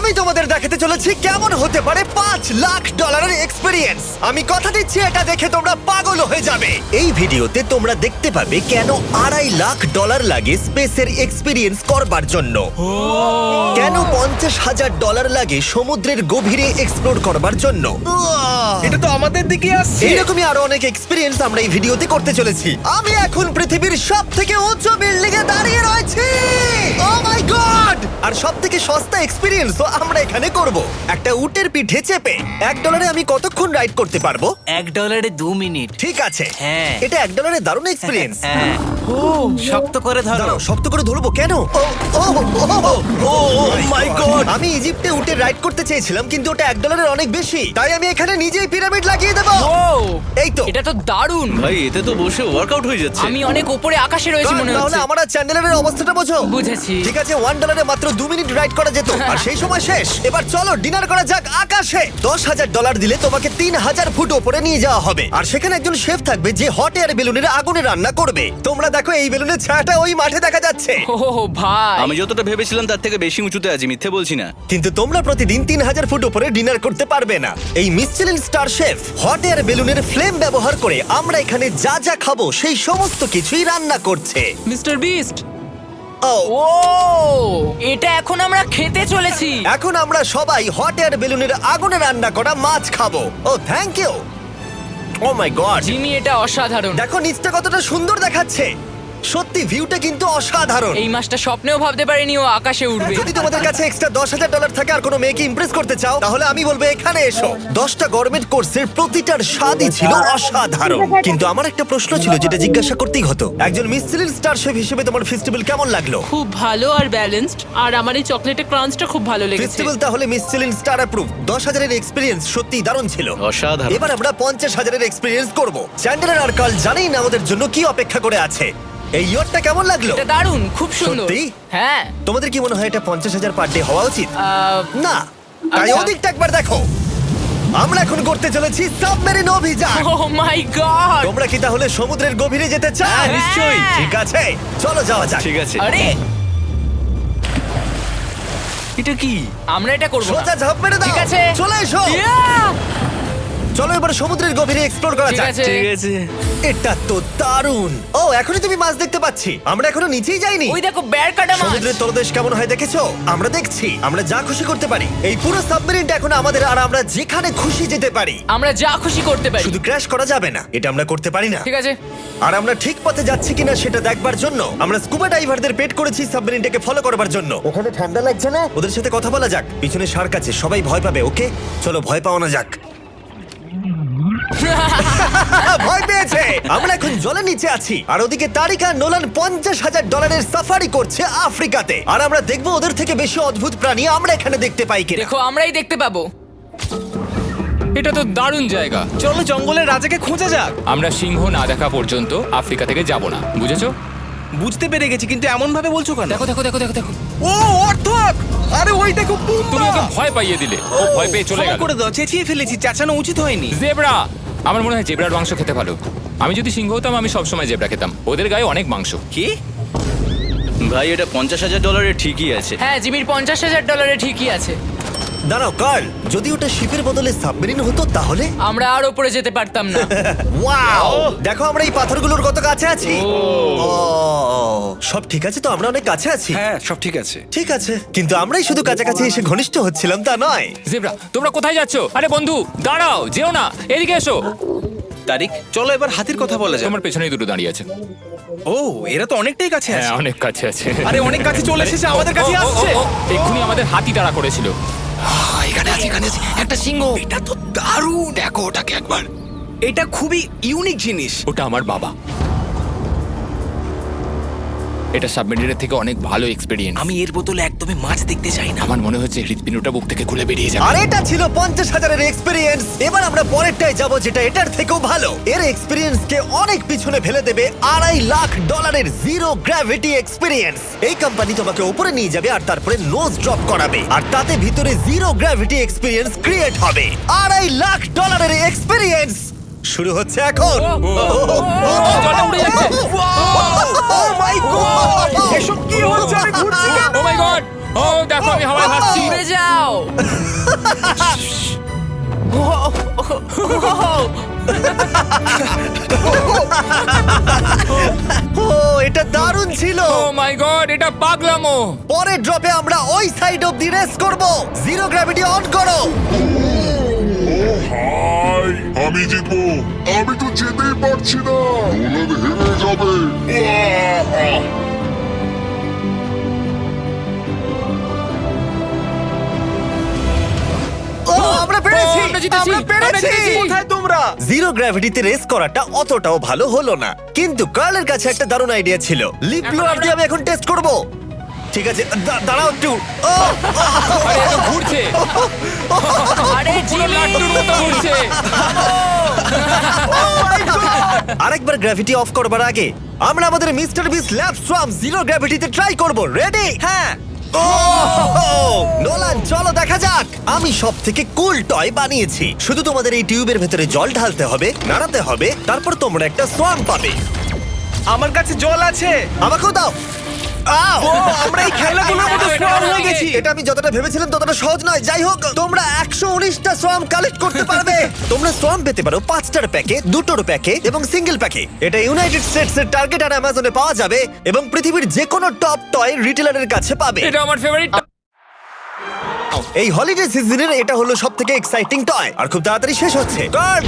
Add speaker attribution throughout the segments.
Speaker 1: আমি তোমাদের দেখাতে চলেছি কেমন হতে পারে $5 লাখ এক্সপিরিয়েন্স। আমি কথা দিচ্ছি এটা দেখে তোমরা পাগল হয়ে যাবে। এই ভিডিওতে তোমরা দেখতে পাবে কেন $2.5 লাখ লাগে স্পেসের এক্সপিরিয়েন্স করবার জন্য, কেন $50,000 লাগে সমুদ্রের গভীরে এক্সপ্লোর করবার জন্য।
Speaker 2: এটা তো আমাদের দিকে আসছে।
Speaker 1: এইরকমই আরো অনেক এক্সপিরিয়েন্স আমরা এই ভিডিওতে করতে চলেছি। আমি এখন পৃথিবীর সবথেকে উঁচু বিল্ডিং এ দাঁড়িয়ে রয়েছি। ও মাই গড! আর সবথেকে সস্তা এক্সপিরিয়েন্সও আমরা এখানে করব, একটা উটের পিঠে চেপে। $1 আমি কতক্ষণ রাইড করতে পারবো?
Speaker 3: $1 2 মিনিট।
Speaker 1: ঠিক আছে,
Speaker 3: হ্যাঁ।
Speaker 1: এটা $1 দারুণ এক্সপিরিয়েন্স।
Speaker 3: হ্যাঁ। শক্ত করে ধরো।
Speaker 1: দাঁড়াও, শক্ত করে ধরবো কেন? Oh my god! আমি ইজিপ্টে উটে রাইড করতে চেয়েছিলাম, কিন্তু ওটা $1 অনেক বেশি, তাই আমি এখানে নিজেই পিরামিড লাগিয়ে দেবো। এই তো।
Speaker 4: এটা তো দারুণ।
Speaker 2: ভাই এতে তো বসে ওয়ার্কআউট হয়ে যাচ্ছে।
Speaker 4: আমি অনেক উপরে আকাশে রয়েছি মনে
Speaker 1: তাহলে
Speaker 4: হচ্ছে।
Speaker 1: আমার আর চ্যান্ডেলের অবস্থাটা বোঝো।
Speaker 4: বুঝেছি।
Speaker 1: ঠিক আছে, $1 মাত্র 2 মিনিট রাইড করা যেত, আর সেই সময় শেষ। এবার চলো ডিনার করা যাক আকাশে। $10,000 দিলে তোমাকে 3,000 ফুট উপরে নিয়ে যাওয়া হবে, আর সেখানে একজন শেফ থাকবে যে হট এয়ার বেলুনের আগুনে রান্না করবে। তোমরা দেখো এই বেলুনের ছায়াটা ওই মাঠে দেখা যাচ্ছে।
Speaker 4: ও ভাই,
Speaker 2: আমি যতটা ভেবেছিলাম তার থেকে বেশি উঁচুতে আছি, মিথ্যে বলছি না।
Speaker 1: কিন্তু তোমরা প্রতিদিন 3,000 ফুট উপরে ডিনার করতে পারবে না। এই Michelin star chef hot air বেলুনের ফ্লেম ব্যবহার করে আমরা এখানে যা যা খাবো সেই সমস্ত কিছুই রান্না করছে।
Speaker 4: Mister beast.
Speaker 1: ও
Speaker 4: ও, এটা এখন আমরা খেতে চলেছি।
Speaker 1: এখন আমরা সবাই হট এয়ার বেলুনের আগুনে রান্না করা মাছ খাবো। Oh thank you. Oh my god,
Speaker 4: Jimmy, এটা অসাধারণ।
Speaker 1: দেখো নিচটা কতটা সুন্দর দেখাচ্ছে। সত্যি ভিউটা কিন্তু অসাধারণ।
Speaker 4: এই মাসটা স্বপ্নেও ভাবতে পারিনি ও আকাশে উঠবে।
Speaker 1: যদি তোমাদের কাছে এক্সট্রা $10,000 থাকে আর কোনো মেয়েকে ইমপ্রেস করতে চাও, তাহলে আমি বলবো এখানে এসো। 10টা গরমেট কোর্সের প্রতিটার স্বাদই ছিল অসাধারণ। কিন্তু আমার একটা প্রশ্ন ছিল যেটা জিজ্ঞাসা করতেই হতো, একজন মিশেলিন স্টার শেফ হিসেবে তোমার ফেস্টিভ্যাল কেমন লাগলো?
Speaker 5: খুব ভালো আর ব্যালেন্সড, আর আমার এই চকলেটের ক্রাঞ্চটা খুব ভালো লেগেছে।
Speaker 1: ফেস্টিভ্যাল তাহলে মিশেলিন স্টার অ্যাপ্রুভ। 10,000 এর এক্সপিরিয়েন্স সত্যি দারুণ ছিল।
Speaker 2: অসাধারণ।
Speaker 1: এবার আমরা 50,000 এর এক্সপিরিয়েন্স করব। চ্যান্ডেলার আর কার্ল জানেই না আমাদের জন্য কি অপেক্ষা করে আছে। এই ইয়ারটা কেমন লাগলো?
Speaker 4: এটা দারুণ, খুব সুন্দর।
Speaker 1: সত্যি?
Speaker 4: হ্যাঁ।
Speaker 1: তোমাদের কি মনে হয় এটা 50,000 পার ডে হওয়া উচিত? না, তাই
Speaker 4: আচ্ছা।
Speaker 1: ওদিকটা একবার দেখো। আমরা এখন করতে চলেছি সাবমেরিন অভিযান।
Speaker 4: Oh my god.
Speaker 1: তোমরা কি তাহলে সমুদ্রের গভীরে যেতে চাও?
Speaker 4: হ্যাঁ, নিশ্চয়ই।
Speaker 1: ঠিক আছে, চলো যাওয়া যাক।
Speaker 2: ঠিক আছে।
Speaker 4: আরে,
Speaker 2: এটা কি?
Speaker 4: আমরা এটা করব না।
Speaker 1: সোজা ঝাঁপ মেরে দাও।
Speaker 4: ঠিক আছে।
Speaker 1: চলে এসো।
Speaker 4: Yeah!
Speaker 1: চলো এবার সমুদ্রের গভীরে এক্সপ্লোর করা
Speaker 4: ঠিক
Speaker 1: যাক।
Speaker 4: আছে।
Speaker 2: ঠিক আছে।
Speaker 1: এটা তো দারুণ। ও, এখনই তুমি মাছ দেখতে পাচ্ছি। আমরা এখনো নিচেই যাইনি।
Speaker 4: ওই দেখো, বের কাটা মাছ।
Speaker 1: সমুদ্রের তলদেশ কেমন হয় দেখেছো? আমরা দেখছি, আমরা যা খুশি করতে পারি। এই পুরো সাবমেরিনটা এখন আমাদের, আর আমরা যেখানে খুশি যেতে পারি।
Speaker 4: আমরা যা খুশি করতে পারি।
Speaker 1: শুধু ক্র্যাশ করা যাবে না, এটা আমরা করতে পারি না।
Speaker 4: ঠিক আছে।
Speaker 1: আর আমরা ঠিক পথে যাচ্ছি কিনা সেটা দেখবার জন্য আমরা স্কুবা ডাইভারদের পেড করেছি সাবমেরিনটাকে ফলো করবার জন্য। ওখানে ঠান্ডা লাগছে না? ওদের সাথে কথা বলা যাক। পিছনে শার্ক আছে, সবাই ভয় পাবে। ওকে, চলো ভয় পাওয়া না যাক। ভয় পেয়েছে। আমরা এখন জলের নিচে আছি, আর ওদিকে তারিকা নোলান $50,000 সাফারি করছে আফ্রিকাতে। আর আমরা দেখবো ওদের থেকে বেশি অদ্ভুত প্রাণী আমরা এখানে দেখতে পাই কিনা।
Speaker 4: দেখো, আমরাই দেখতে পাবো।
Speaker 6: এটা তো দারুণ জায়গা।
Speaker 2: চলো জঙ্গলের রাজাকে খোঁজা যাক।
Speaker 6: আমরা সিংহ না দেখা পর্যন্ত আফ্রিকা থেকে যাব না, বুঝেছো?
Speaker 2: বুঝতে পেরে গেছি, কিন্তু এমন ভাবে বলছো কেন?
Speaker 6: দেখো দেখো দেখো দেখো দেখো,
Speaker 2: ও অর্থক! আরে ওই দেখো
Speaker 6: তুমি ওকে ভয় পাইয়ে দিলে, ও ভয় পেয়ে চলে গেল।
Speaker 2: করে দাও, চেঁচিয়ে ফেলেছি, চাচানো উচিত হয়নি।
Speaker 6: জেব্রা, আমার মনে হয় জেব্রার মাংস খেতে ভালো। আমি যদি সিংহ হতাম আমি সবসময় জেব্রা খেতাম, ওদের গায়ে অনেক মাংস।
Speaker 2: কি? ভাই এটা $50,000 ঠিকই আছে।
Speaker 4: হ্যাঁ, জিমির $50,000 ঠিকই আছে।
Speaker 1: দাঁড়াও কার্ল, যদি ওটা শিপের বদলে সাবমেরিন হতো তাহলে?
Speaker 4: আমরা আর উপরে যেতে পারতাম না।
Speaker 1: ওয়াও, দেখো আমরা এই পাথরগুলোর কত কাছে আছি। ও, সব ঠিক আছে তো? আমরা অনেক কাছে আছি।
Speaker 2: হ্যাঁ সব ঠিক আছে।
Speaker 1: ঠিক আছে, কিন্তু আমরাই শুধু কাছাকাছি এসে ঘনিষ্ঠ হচ্ছিলাম তা নয়।
Speaker 6: জেব্রা, তোমরা কোথায় যাচ্ছো? আরে বন্ধু দাঁড়াও, যেও না, এদিকে এসো।
Speaker 2: তারিক, চলো এবার হাতির কথা বলা যাক।
Speaker 6: তোমার পেছনেই দুটো দাঁড়িয়ে আছে।
Speaker 2: ও, এরা তো অনেকটাই কাছে
Speaker 6: হ্যাঁ,
Speaker 2: আছে।
Speaker 6: অনেক কাছে আছে।
Speaker 2: আরে অনেক কাছে চলে এসেছে, আমাদের কাছে আসছে।
Speaker 6: এক্ষুনি আমাদের হাতি তাড়া করেছিল।
Speaker 2: এখানে আছে একটা সিংহ। এটা তো দারুণ, দেখো ওটাকে একবার। এটা খুবই ইউনিক জিনিস।
Speaker 6: ওটা আমার বাবা। এটা সাবমেরিনের থেকে অনেক ভালো এক্সপেরিয়েন্স।
Speaker 2: আমি এর বোতলে একদমই মাছ দেখতে চাই না।
Speaker 6: আমার মনে হচ্ছে হৃৎপিণ্ডটা বুক থেকে খুলে বেরিয়ে যাবে।
Speaker 1: আর এটা ছিল 50,000 এর এক্সপেরিয়েন্স। এবার আমরা পরেরটায় যাব, যেটা এটার থেকেও ভালো। এর এক্সপেরিয়েন্স কে অনেক পিছনে ফেলে দেবে। $2.5 লাখ জিরো গ্র্যাভিটি এক্সপেরিয়েন্স। এই কোম্পানি তোমাকে উপরে নিয়ে যাবে আর তারপরে নোজ ড্রপ করাবে, আর তাতে ভিতরে জিরো গ্র্যাভিটি এক্সপেরিয়েন্স ক্রিয়েট হবে। $2.5 লাখ এর এক্সপেরিয়েন্স শুরু হচ্ছে এখন।
Speaker 6: জলটা উড়ে যাচ্ছে।
Speaker 1: Oh my God!
Speaker 2: এসব কি হচ্ছে? আমি ঘুরছি কেন?
Speaker 6: ও মাই গড, ও দেখো আমি হাওয়ায় ভাসছি।
Speaker 4: উড়ে যাও।
Speaker 1: ছিল।
Speaker 6: ও মাই গড, এটা পাগলামো।
Speaker 1: পরের ড্রপে আমরা ওই সাইড অফ দি রেস করব। জিরো গ্র্যাভিটি অন করো।
Speaker 7: হাই, আমি জিতবো। আমি তো যেতেই পারছি না, নোলান হেরে যাবে।
Speaker 1: ও আমরা পেরেছি,
Speaker 6: আমরা জিতেছি,
Speaker 1: আমরা পেরেছি।
Speaker 6: আমরা জিতেছি।
Speaker 2: কোথায় তোমরা?
Speaker 1: জিরো গ্র্যাভিটিতে রেস করাটা অতটাও ভালো হলো না, কিন্তু কার্লের কাছে একটা দারুণ আইডিয়া ছিল। লিপ ব্লোয়ার দিয়ে আমি এখন টেস্ট করব। ঠিক আছে, দাঁড়াও একটু। ও,
Speaker 6: আরে এটা ঘুরছে,
Speaker 4: আরে
Speaker 6: পুরো লাট্টুর মতো ঘুরছে।
Speaker 1: আরেকবার গ্র্যাভিটি অফ করবার আগে আমরা আমাদের Mister Beast lab swarm zero গ্র্যাভিটিতে ট্রাই করব। রেডি?
Speaker 2: হ্যাঁ।
Speaker 1: নোলান চলো দেখা যাক। আমি সব থেকে কুল টয় বানিয়েছি। শুধু তোমাদের এই টিউবের ভেতরে জল ঢালতে হবে, নাড়াতে হবে, তারপর তোমরা একটা সোয়াম পাবে।
Speaker 2: আমার কাছে জল আছে।
Speaker 1: আমাকেও দাও। আও!
Speaker 2: আমরা এই খেলাগুলোর মতো স্ট্রং হয়ে গেছি।
Speaker 1: এটা আমি যতটা ভেবেছিলাম ততটা সহজ নয়। যাই হোক, তোমরা 119টা সোয়াম কালেক্ট করতে পারবে। তোমরা সোয়াম পেতে পারো 5টার প্যাকে, 2টোর প্যাকে এবং সিঙ্গেল প্যাকে। এটা ইউনাইটেড স্টেটস এর টার্গেট আর অ্যামাজনে পাওয়া যাবে এবং পৃথিবীর যে কোনো টপ টয় রিটেলারের কাছে পাবে।
Speaker 6: এটা আমার ফেভারিট।
Speaker 1: এই হলিডে সিজনের এটা হলো সবথেকে এক্সাইটিং টয় আর খুব তাড়াতাড়ি শেষ হচ্ছে। গার্ড!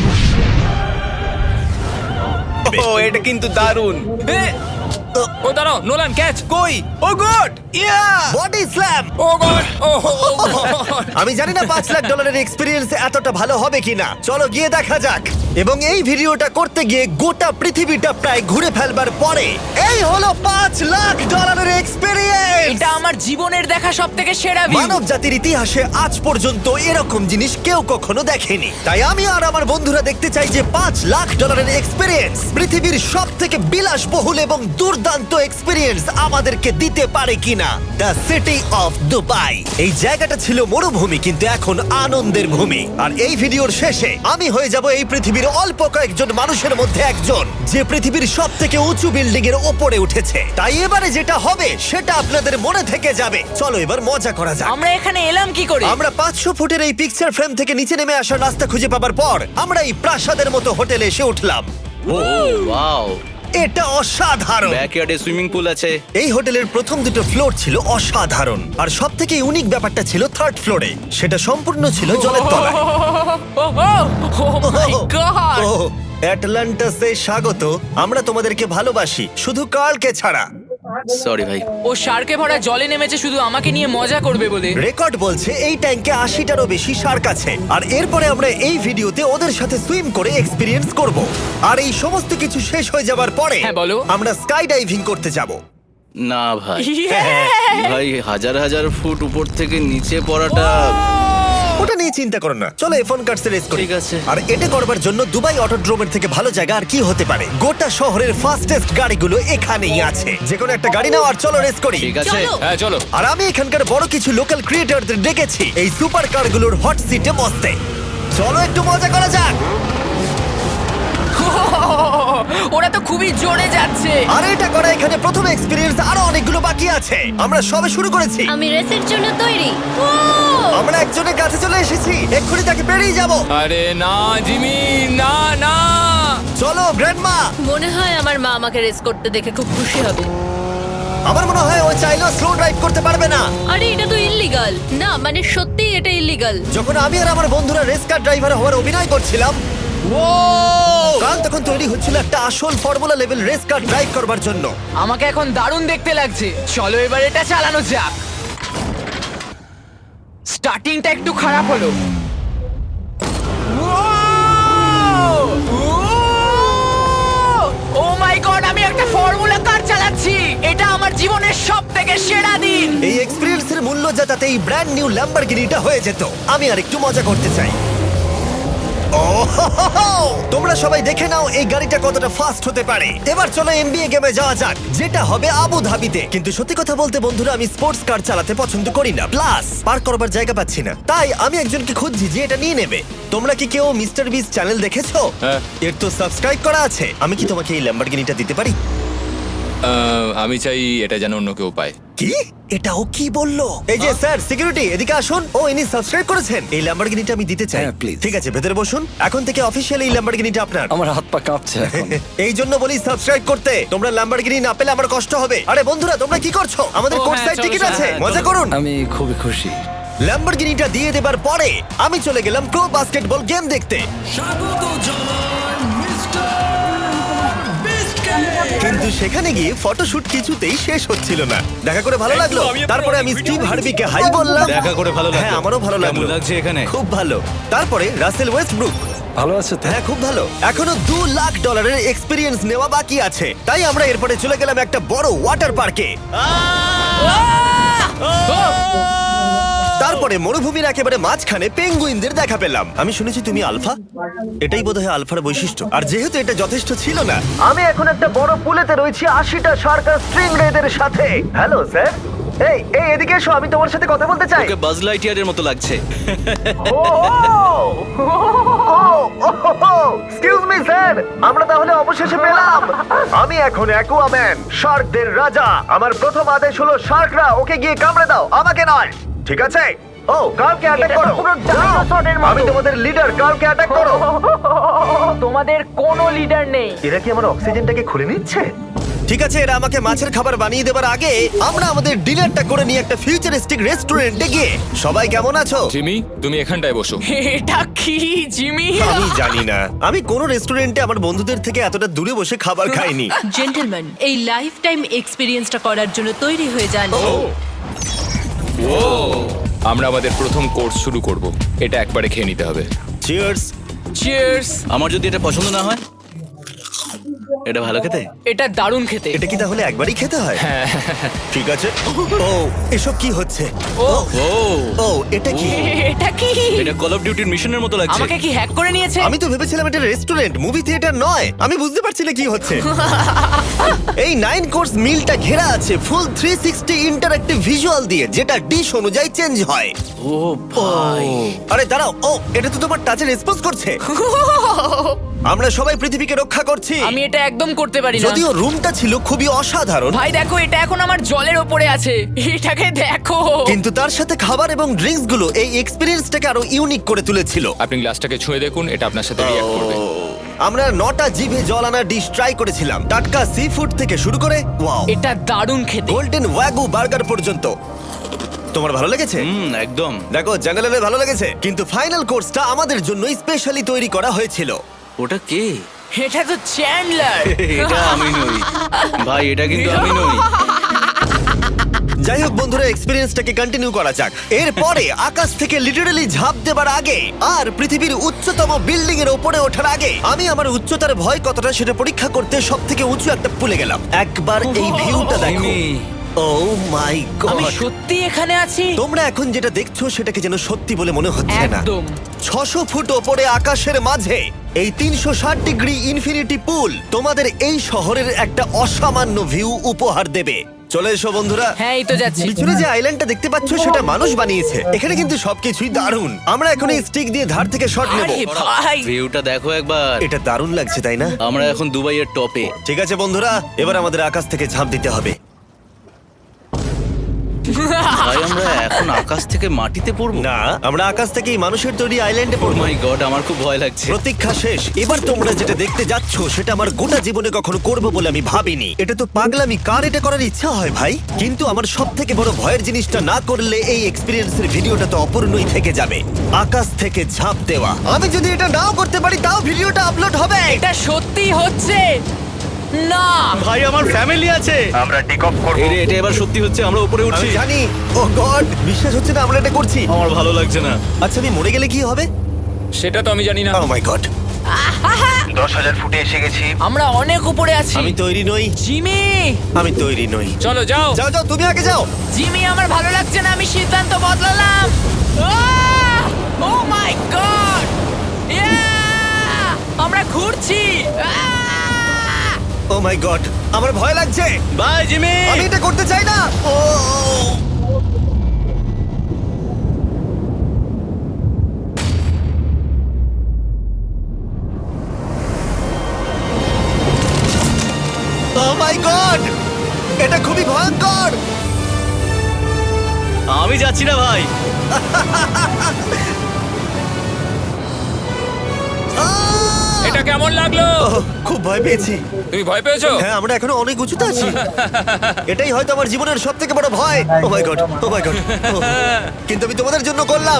Speaker 2: ও এটা কিন্তু দারুণ।
Speaker 6: ও দাঁড়াও, নোলান ক্যাচ।
Speaker 2: কই? Oh god! Yeah!
Speaker 1: Body slam!
Speaker 6: Oh god, oh
Speaker 1: আমি জানি না $5 লাখ এক্সপিরিয়েন্স এতটা ভালো হবে কিনা। চলো গিয়ে দেখা যাক। এবং এই ভিডিওটা করতে গিয়ে গোটা পৃথিবীটা প্রায় ঘুরে ফেলবার পরে এই হলো $5 লাখ এক্সপিরিয়েন্স।
Speaker 4: এটা আমার জীবনের দেখা সবথেকে সেরা ভিউ।
Speaker 1: মানব জাতির ইতিহাসে আজ পর্যন্ত এরকম জিনিস কেউ কখনো দেখেনি। তাই আমি আর আমার বন্ধুরা দেখতে চাই যে $5 লাখ এক্সপিরিয়েন্স পৃথিবীর সব থেকে বিলাসবহুল এবং দুর্দান্ত এক্সপিরিয়েন্স আমাদেরকে দিতে পারে কিনা। The city of Dubai. এই জায়গাটা ছিল মরুভূমি, কিন্তু এখন আনন্দের ভূমি। আর এই ভিডিওর শেষে আমি হয়ে যাব এই পৃথিবীর অল্প কয়েকজন মানুষের মধ্যে একজন, যে পৃথিবীর সব থেকে উঁচু বিল্ডিং এর ওপরে উঠেছে। তাই এবারে যেটা হবে সেটা আপনাদের মনে থেকে যাবে। চলো এবার মজা করা যাক।
Speaker 4: আমরা এখানে এলাম কি করে?
Speaker 1: আমরা 500 ফুটের এই পিকচার ফ্রেম থেকে নিচে নেমে আসার রাস্তা খুঁজে পাবার পর আমরা এই প্রাসাদের মতো হোটেলে এসে উঠলাম।
Speaker 2: ওয়াও!
Speaker 1: এটা অসাধারণ।
Speaker 2: ব্যাকইয়ার্ডে সুইমিং পুল আছে।
Speaker 1: এই হোটেলের প্রথম দুটো ফ্লোর ছিল অসাধারণ, আর সব থেকে ইউনিক ব্যাপারটা ছিল থার্ড ফ্লোরে। সেটা সম্পূর্ণ ছিল জলের তলায়।
Speaker 4: ও মাই গড!
Speaker 1: ও অ্যাটলান্টাসে স্বাগত। আমরা তোমাদেরকে ভালোবাসি, শুধু কার্লকে ছাড়া।
Speaker 2: সরি ভাই।
Speaker 4: ও শার্কে ভরা জলে নেমেছে শুধু আমাকে নিয়ে মজা করবে বলে।
Speaker 1: রেকর্ড বলছে এই ট্যাঙ্কে 80টারও বেশি শার্ক আছে। আর এরপরে আমরা এই ভিডিওতে ওদের সাথে সুইম করে এক্সপিরিয়েন্স করব। আর এই সমস্ত কিছু শেষ হয়ে যাবার পরে
Speaker 4: হ্যাঁ, বলো।
Speaker 1: আমরা স্কাই ডাইভিং করতে যাব।
Speaker 2: না ভাই,
Speaker 1: হ্যাঁ,
Speaker 2: ভাই হাজার হাজার ফুট উপর থেকে নিচে পড়াটা।
Speaker 1: ওটা নিয়ে চিন্তা করো না, চলো ফোন কার্ডস রেস করি।
Speaker 2: ঠিক আছে।
Speaker 1: আর এটা করবার জন্য দুবাই অটোড্রোমের থেকে ভালো জায়গা আর কি হতে পারে। গোটা শহরের ফাস্টেস্ট গাড়িগুলো এখানেই আছে। যে কোনো একটা গাড়ি নাও আর চলো রেস করি।
Speaker 2: ঠিক আছে।
Speaker 6: হ্যাঁ চলো।
Speaker 1: আর আমি এখানকার বড় কিছু লোকাল ক্রিয়েটরদের ডেকেছি এই সুপার কারগুলোর হট সিটে বসতে। চলো একটু মজা করা যাক।
Speaker 4: ওরা তো খুবই জোরে যাচ্ছে।
Speaker 1: আর এটা করা এখানে প্রথম এক্সপিরিয়েন্স, আরো অনেকগুলো বাকি আছে। আমরা সবে শুরু করেছি।
Speaker 8: আমি রেসের জন্য তৈরি।
Speaker 1: আমরা একজনের কাছে চলে এসেছি, এক্ষুনি তাকে পেরিয়ে যাব।
Speaker 6: আরে না জিমি, না না।
Speaker 1: চলো গ্র্যান্ডমা।
Speaker 8: মনে হয় আমার মা আমাকে রেস করতে দেখে খুব খুশি হবে।
Speaker 1: আমার মনে হয় ও চাইলেও স্লো ড্রাইভ করতে পারবে না।
Speaker 8: আরে এটা তো ইল্লিগাল। না মানে সত্যি এটা ইল্লিগাল।
Speaker 1: যখন আমি আর আমার বন্ধুরা রেস কার ড্রাইভার হওয়ার অভিনয় করছিলাম, কাল তখন তৈরি হচ্ছিল একটা আসল formula level race car drive করবার জন্য।
Speaker 4: আমাকে এখন দারুণ দেখতে লাগছে। চলো এবার এটা চালানো যাক। স্টার্টিংটা একটু খারাপ হলো। ও মাই গড, আমি একটা ফর্মুলা কার চালাচ্ছি। এটা আমার জীবনের সবথেকে সেরা দিন।
Speaker 1: এই এক্সপেরিয়েন্সের মূল্য যা, তাতে এই ব্র্যান্ড নিউ ল্যাম্বরগিনিটা হয়ে যেত। আমি আর একটু মজা করতে চাই। তোমরা সবাই দেখে নাও এই গাড়িটা কতটা ফাস্ট হতে পারে। এবার চলো এমবিএ গেমে যাওয়া যাক, যেটা হবে আবু ধাবিতে। কিন্তু সত্যি কথা বলতে বন্ধুরা, আমি স্পোর্টস কার চালাতে পছন্দ করি না, প্লাস পার্ক করবার জায়গা পাচ্ছি না। তাই আমি একজনকে খুঁজছি যে এটা নিয়ে নেবে। তোমরা কি কেউ মিস্টার বিস চ্যানেল দেখেছো?
Speaker 6: হ্যাঁ।
Speaker 1: এর তো সাবস্ক্রাইব করা আছে। আমি কি তোমাকে এই ল্যাম্বরগিনিটা দিতে পারি?
Speaker 6: আমি চাই এটা যেন অন্য কেউ পায়।
Speaker 1: কি এটা ও কি বললো? এই যে স্যার সিকিউরিটি এদিকে আসুন। ও ইনি সাবস্ক্রাইব করেছেন। এই ল্যাম্বরগিনিটা আমি দিতে চাই।
Speaker 9: হ্যাঁ, please.
Speaker 1: ঠিক আছে ভেতরে বসুন। এখন থেকে অফিশিয়ালি এই ল্যাম্বরগিনিটা আপনার।
Speaker 9: আমার হাত পা কাঁপছে এখন।
Speaker 1: এই জন্য বলি সাবস্ক্রাইব করতে। তোমরা ল্যাম্বরগিনি না পেলে আমার কষ্ট হবে। আরে বন্ধুরা তোমরা কি করছো? আমাদের
Speaker 5: ও,
Speaker 1: কোর্স
Speaker 5: হ্যাঁ,
Speaker 1: সাইড
Speaker 5: চলো,
Speaker 1: টিকিট
Speaker 5: চলো,
Speaker 1: আছে,
Speaker 5: হ্যাঁ,
Speaker 1: মজা
Speaker 5: চলো।
Speaker 1: করুন।
Speaker 9: আমি খুবই খুশি।
Speaker 1: ল্যাম্বরগিনিটা দিয়ে দেবার পরে আমি চলে গেলাম প্রো বাস্কেটবল গেম দেখতে। কিন্তু সেখানে গিয়ে ফটোশুট কিছুতেই শেষ হচ্ছিল না। দেখা করে ভালো লাগলো। তারপরে আমি স্টিভ হার্বিকে হাই বললাম।
Speaker 9: দেখা করে ভালো লাগলো।
Speaker 1: হ্যাঁ আমারও ভালো লাগলো।
Speaker 9: কেমন লাগছে এখানে?
Speaker 1: খুব ভালো। তারপরে রাসেল ওয়েস্টব্রুক।
Speaker 9: ভালো আছে তো?
Speaker 1: হ্যাঁ খুব ভালো। এখনো $2 লাখ এক্সপিরিয়েন্স নেওয়া বাকি আছে। তাই আমরা এরপরে চলে গেলাম একটা বড় ওয়াটার পার্কে। তারপরে মরুভূমির একেবারে মাঝখানে পেঙ্গুইনদের দেখা পেলাম। আমি শুনেছি তুমি আলফা। এটাই বোধহয় আলফার বৈশিষ্ট্য। আর যেহেতু এটা যথেষ্ট ছিল না, আমি এখন একটা বড় পুলেতে রয়েছি 80টা সার্কাস স্ট্রিং রেদের সাথে। Hello sir. এই এই এদিকে এসো, আমি তোমার সাথে কথা বলতে চাই।
Speaker 9: ওকে বাজ লাইটইয়ারের মতো লাগছে।
Speaker 1: এক্সকিউজ মি স্যার, আমরা তাহলে অবশেষে পেলাম। আমি এখন অ্যাকুয়াম্যান, শার্কদের রাজা। আমার প্রথম আদেশ হলো শার্করা ওকে গিয়ে কামড়ে দাও, আমাকে নয়। ঠিক আছে? ও কার্লকে অ্যাটাক করো। আমি তোমাদের লিডার, কার্লকে অ্যাটাক করো।
Speaker 4: তোমাদের কোনো লিডার নেই।
Speaker 1: এরা কি আমার অক্সিজেনটাকে খুলে নিচ্ছে? ঠিক আছে, এরা আমাকে মাছের খাবার বানিয়ে দেবার আগে আমরা আমাদের ডিনারটা করে নিয়ে একটা ফিউচারিস্টিক রেস্টুরেন্টে গিয়ে। সবাই কেমন আছো?
Speaker 6: জিমি, তুমি এখানটায় বসো।
Speaker 4: এটা কি জিমি?
Speaker 1: আমি জানি না, আমি কোন রেস্টুরেন্টে আমার বন্ধুদের থেকে এতটা দূরে বসে খাবার খাইনি।
Speaker 8: জেন্টলম্যান, এই লাইফ টাইম এক্সপিরিয়েন্সটা করার জন্য তৈরি হয়ে যান।
Speaker 6: আমরা আমাদের প্রথম কোর্স শুরু করব। এটা একবারে খেয়ে নিতে হবে।
Speaker 1: চিয়ার্স।
Speaker 2: চিয়ার্স।
Speaker 9: আমার যদি এটা পছন্দ না হয়? এটা ভালো খেতে?
Speaker 4: এটা দারুণ খেতে।
Speaker 1: এটা কি তাহলে একবারই খেতে হয়? ঠিক আছে। ও এসব কি হচ্ছে?
Speaker 4: ও
Speaker 9: ও
Speaker 1: ও এটা কি?
Speaker 4: এটা কি?
Speaker 9: এটা কল অফ ডিউটির মিশনের মতো লাগছে।
Speaker 4: আমাকে কি হ্যাক করে নিয়েছে?
Speaker 1: আমি তো ভেবেছিলাম এটা রেস্টুরেন্ট, মুভি থিয়েটার নয়। আমি বুঝতে পারছি না কি হচ্ছে। এই 9 কোর্স মিলটা ঘেরা আছে ফুল 360 ইন্টারঅ্যাক্টিভ ভিজুয়াল দিয়ে, যেটা ডিশ অনুযায়ী চেঞ্জ হয়।
Speaker 9: ও ভাই,
Speaker 1: আরে দাঁড়াও, ও এটা তো তোমার টাচে রেসপন্স করছে। আমরা সবাই পৃথিবীকে রক্ষা করছি।
Speaker 4: আমি এটা একদম করতে পারি না।
Speaker 1: যদিও রুমটা ছিল খুবই অসাধারণ,
Speaker 4: ভাই দেখো, এটা এখন আমার জলের ওপরে আছে। এটাকে দেখো।
Speaker 1: কিন্তু তার সাথে খাবার এবং ড্রিঙ্কস গুলো এই এক্সপেরিয়েন্সটাকে আরো ইউনিক করে তুলেছিল।
Speaker 6: আপনি গ্লাসটাকে ছুঁয়ে দেখুন, এটা আপনার সাথে রিঅ্যাক্ট করবে।
Speaker 1: আমরা 9টা জিভে জল আনা ডিশ ট্রাই করেছিলাম, টাটকা সি ফুড থেকে শুরু করে ওয়াও
Speaker 4: এটা দারুণ খেতে।
Speaker 1: গোল্ডেন ওয়াগু বার্গার পর্যন্ত। তোমার ভালো লেগেছে?
Speaker 9: একদম।
Speaker 1: দেখো জঙ্গলের ভালো লেগেছে, কিন্তু ফাইনাল কোর্সটা আমাদের জন্য স্পেশালি তৈরি করা হয়েছিল।
Speaker 9: ওটা কে?
Speaker 4: এটা তো চ্যান্ডলার।
Speaker 9: এটা আমি নই ভাই, এটা কিন্তু আমি নই।
Speaker 1: যাই হোক বন্ধুরা, এক্সপেরিয়েন্সটাকে কন্টিনিউ করা যাক। এরপরে আকাশ থেকে লিটারালি ঝাঁপ দেবার আগে আর পৃথিবীর উচ্চতম বিল্ডিং এর উপরে ওঠার আগে আমি আমার উচ্চতার ভয় কতটা সেটা পরীক্ষা করতে সব থেকে উঁচু একটা পুলে গেলাম। একবার এই ভিউটা দেখো।
Speaker 9: জিমি।
Speaker 1: ও মাই
Speaker 4: আমি
Speaker 1: গড!
Speaker 4: সত্যি এখানে আছি।
Speaker 1: তোমরা এখন যেটা দেখছো সেটাকে যেন সত্যি বলে মনে হচ্ছে না।
Speaker 4: একদম।
Speaker 1: 600 ফুট ওপরে আকাশের মাঝে এই 360 ডিগ্রি ইনফিনিটি পুল তোমাদের এই শহরের একটা অসামান্য ভিউ উপহার দেবে। চলে এসো বন্ধুরা।
Speaker 4: হ্যাঁ, এই তো যাচ্ছি।
Speaker 1: পিছনে যে আইল্যান্ডটা দেখতে পাচ্ছ সেটা মানুষ বানিয়েছে। এখানে কিন্তু সবকিছুই দারুণ। আমরা এখন এই স্টিক দিয়ে ধার থেকে শট নেব।
Speaker 4: আরে ভাই,
Speaker 9: ভিউটা দেখো একবার।
Speaker 1: এটা দারুণ লাগছে তাই না?
Speaker 9: আমরা এখন দুবাইয়ের টপে।
Speaker 1: ঠিক আছে বন্ধুরা, এবার আমাদের আকাশ থেকে ঝাঁপ দিতে হবে।
Speaker 9: ভাই আমরা এখন আকাশ থেকে মাটিতে পড়বো?
Speaker 1: না, আমরা আকাশ থেকেই মানুষের তৈরি আইল্যান্ডে
Speaker 9: ও
Speaker 1: পড়বো।
Speaker 9: মাই গড, আমার খুব ভয় লাগছে।
Speaker 1: প্রতীক্ষা শেষ। এবার তোমরা যেটা দেখতে যাচ্ছ সেটা আমার গোটা জীবনে কখনো করবো বলে আমি ভাবিনি। এটা তো পাগলামি, কার এটা করার ইচ্ছা হয় ভাই? কিন্তু আমার সব থেকে বড় ভয়ের জিনিসটা না করলে এই এক্সপিরিয়েন্সের ভিডিওটা তো অপূর্ণই থেকে যাবে। আকাশ থেকে ঝাঁপ দেওয়া। আমি যদি এটা নাও করতে পারি তাও ভিডিওটা আপলোড হবে।
Speaker 4: এটা সত্যি হচ্ছে না।
Speaker 9: ভাই আমার ফ্যামিলি আছে।
Speaker 1: আমরা টেক অফ করব।
Speaker 9: এটা এবার সত্যি হচ্ছে, আমরা উপরে উঠছি।
Speaker 1: আমি জানি। ও গড, বিশ্বাস হচ্ছে না আমরা এটা করছি।
Speaker 9: আমার ভালো লাগছে না।
Speaker 1: আচ্ছা আমি মরে গেলে কি হবে?
Speaker 6: সেটা তো আমি জানি না।
Speaker 1: ও মাই গড, 10,000 ফুটে এসে গেছি।
Speaker 4: আমরা অনেক উপরে আছি।
Speaker 1: আমি তৈরি নই।
Speaker 4: জিমি,
Speaker 1: আমি তৈরি নই।
Speaker 6: চলো যাও।
Speaker 1: যাও যাও, তুমি আগে যাও।
Speaker 4: জিমি, আমার ভালো লাগছে না। আমি সিদ্ধান্ত বদলালাম। ও মাই গড, আমরা ঘুরছি।
Speaker 1: ও মাই গড, আমার ভয় লাগছে।
Speaker 9: Bye Jimmy.
Speaker 1: আমি এটা করতে চাই না। ও মাই গড, এটা খুবই ভয়ঙ্কর।
Speaker 9: আমি যাচ্ছি না ভাই।
Speaker 6: এটা কেমন লাগলো?
Speaker 1: ওহ, খুব ভয় পেয়েছি।
Speaker 6: তুমি ভয় পেয়েছো?
Speaker 1: হ্যাঁ, আমরা এখনো অনেক উঁচুতে আছি। এটাই হয়তো আমার জীবনের সব থেকে বড় ভয়। Oh my god, oh my god. কিন্তু আমি তোমাদের জন্য করলাম।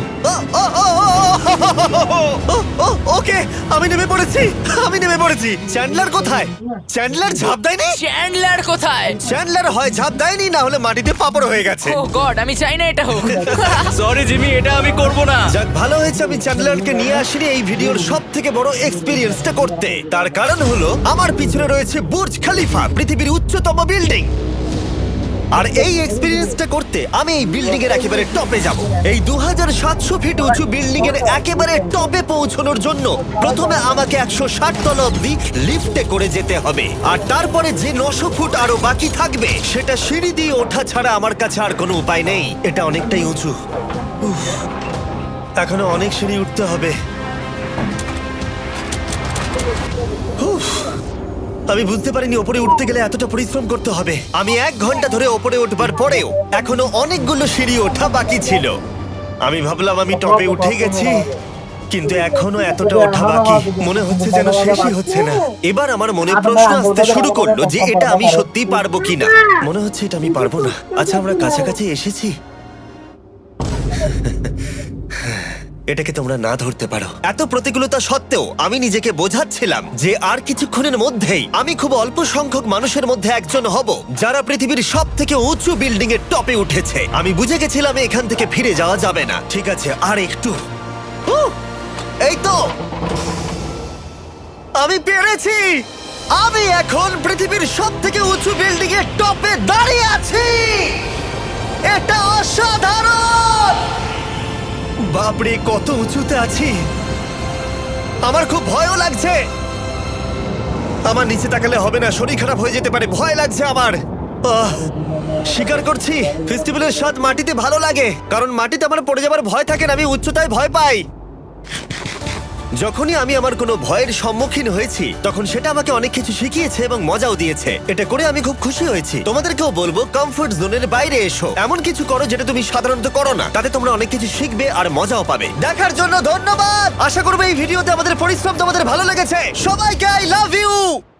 Speaker 1: ওকে, আমি নেমে পড়েছি। চ্যান্ডলার কোথায়? চ্যান্ডলার ঝাঁপ দেয়নি?
Speaker 4: চ্যান্ডলার কোথায়?
Speaker 1: চ্যান্ডলার হয় ঝাঁপ দেয়নি, না হলে মাটিতে পাপড় হয়ে গেছে।
Speaker 4: ও গড, আমি চাই না এটা হোক।
Speaker 9: সরি জিমি, এটা আমি করব না।
Speaker 1: যাক, ভালো হয়েছে আমি চ্যান্ডলারকে নিয়ে আসিনি এই ভিডিওর সব থেকে বড় এক্সপিরিয়েন্সটা করতে। তার কারণ হলো আমার পিছনে রয়েছে বুর্জ খলিফা, পৃথিবীর উচ্চতম বিল্ডিং। আর এই এক্সপিরিয়েন্সটা করতে আমি এই বিল্ডিং এর একেবারে টপে যাব। এই 2700 ফিট উঁচু বিল্ডিং এর একেবারে টপে পৌঁছানোর জন্য প্রথমে আমাকে 160 তলা অব্দি লিফটে করে যেতে হবে, আর তারপরে যে 900 ফুট আরো বাকি থাকবে সেটা সিঁড়ি দিয়ে ওঠা ছাড়া আমার কাছে আর কোনো উপায় নেই। এটা অনেকটাই উঁচু। উফ, এখনো অনেক সিঁড়ি উঠতে হবে। উফ, আমি বুঝতে পারিনি ওপরে উঠতে গেলে এতটা পরিশ্রম করতে হবে। আমি 1 ঘন্টা ধরে ওপরে উঠবার পরেও এখনো অনেকগুলো সিঁড়ি ওঠা বাকি ছিল। আমি ভাবলাম আমি টপে উঠে গেছি, কিন্তু এখনো এতটা ওঠা বাকি। মনে হচ্ছে যেন শেষই হচ্ছে না। এবার আমার মনে প্রশ্ন আসতে শুরু করলো যে এটা আমি সত্যিই পারবো কিনা। মনে হচ্ছে এটা আমি পারবো না। আচ্ছা, আমরা কাছাকাছি এসেছি। এটাকে তোমরা না ধরতে পারো। এত প্রতিকূলতা সত্ত্বেও আমি নিজেকে বোঝাচ্ছিলাম যে আর কিছুক্ষণের মধ্যেই আমি খুব অল্প সংখ্যক মানুষের মধ্যে একজন হব যারা পৃথিবীর সব থেকে উঁচু বিল্ডিং এর টপে উঠেছে। আমি বুঝে গেছিলাম এখান থেকে ফিরে যাওয়া যাবে না। ঠিক আছে, আর একটু। এই তো, আমি পেরেছি। আমি এখন পৃথিবীর সব থেকে উঁচু বিল্ডিং এর টপে দাঁড়িয়ে আছি। এটা অসাধারণ। বাপরে, কত উঁচুতে আছি। আমার খুব ভয়ও লাগছে। আমার নিচে তাকালে হবে না, শরীর খারাপ হয়ে যেতে পারে। ভয় লাগছে আমার। স্বীকার করছি, ফেস্টিভ্যালের স্বাদ মাটিতে ভালো লাগে, কারণ মাটিতে আমার পড়ে যাবার ভয় থাকে না। আমি উচ্চতায় ভয় পাই। যখনই আমি আমার কোনো ভয়ের সম্মুখীন হয়েছি তখন সেটা আমাকে অনেক কিছু শিখিয়েছে এবং মজাও দিয়েছে। এটা করে আমি খুব খুশি হয়েছি। তোমাদেরকেও বলবো কমফোর্ট জোনের বাইরে এসো, এমন কিছু করো যেটা তুমি সাধারণত করো না। তাতে তোমরা অনেক কিছু শিখবে আর মজাও পাবে। দেখার জন্য ধন্যবাদ। আশা করবো এই ভিডিওতে আমাদের পরিশ্রম তোমাদের ভালো লেগেছে। সবাইকে আই লাভ ইউ।